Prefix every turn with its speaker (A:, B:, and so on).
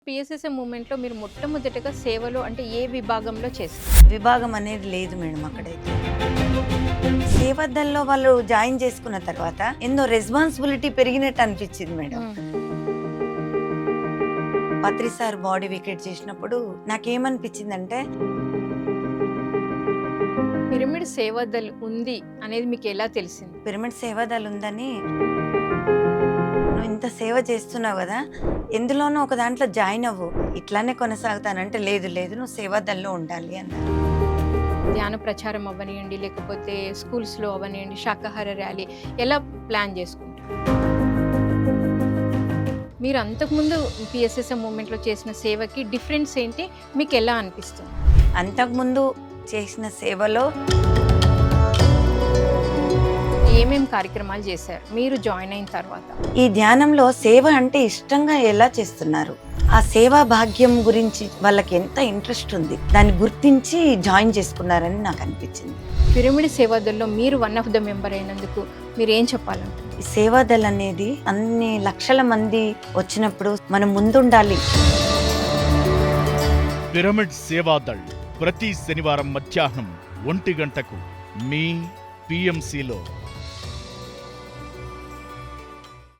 A: PSSM మూవ్‌మెంట్‌లో మీరు మొట్టమొదటగా సేవలో అంటే ఏ విభాగంలో చేశారు?
B: విభాగం అనేది లేదు మేడం అక్కడైతే. సేవదల్లో వాళ్ళు జాయిన్ చేసుకున్న తర్వాత ఎన్నో రెస్పాన్సిబిలిటీ పెరిగినట్టు అనిపించింది madam. Patri sir body wicket చేసినప్పుడు నాకేమనిపించిందంటే
A: పిరమిడ్ సేవాదల్ ఉంది అనేది మీకు ఎలా తెలిసింది?
B: పిరమిడ్ సేవాదల్ ఉందని, నువ్వు ఇంత సేవ చేస్తున్నావు కదా, ఎందులోనో ఒక దాంట్లో జాయిన్ అవ్వు, ఇట్లానే కొనసాగుతానంటే లేదు లేదు నువ్వు సేవాదల్లో ఉండాలి అన్నారు.
A: ధ్యాన ప్రచారం అవ్వనియండి, లేకపోతే స్కూల్స్‌లో అవ్వనియండి, శాకాహార ర్యాలీ ఎలా ప్లాన్ చేసుకుంటారు? మీరు అంతకుముందు పిఎస్ఎస్ఎం మూవ్‌మెంట్‌లో చేసిన సేవకి డిఫరెన్స్ ఏంటి? మీకు ఎలా అనిపిస్తుంది?
B: అంతకుముందు చేసిన సేవలో
A: ఏమేం కార్యక్రమాలు చేశారు మీరు జాయిన్ అయిన తర్వాత?
B: ఈ ధ్యానంలో సేవ అంటే ఇష్టంగా ఎలా చేస్తున్నారు, ఆ సేవా భాగ్యం గురించి వాళ్ళకి ఎంత ఇంట్రెస్ట్ ఉంది, దాన్ని గుర్తించి జాయిన్ చేసుకున్నారని నాకు అనిపించింది.
A: పిరమిడ్ సేవాదల్లో మీరు వన్ ఆఫ్ ద మెంబర్ అయినందుకు మీరు ఏం చెప్పాలంటారు?
B: ఈ సేవాదల్ అనేది అన్ని లక్షల మంది వచ్చినప్పుడు మనం ముందుండాలి.
C: పిరమిడ్ సేవాదళ్ ప్రతి శనివారం మధ్యాహ్నం 1 గంటకు మీ పిఎంసిలో.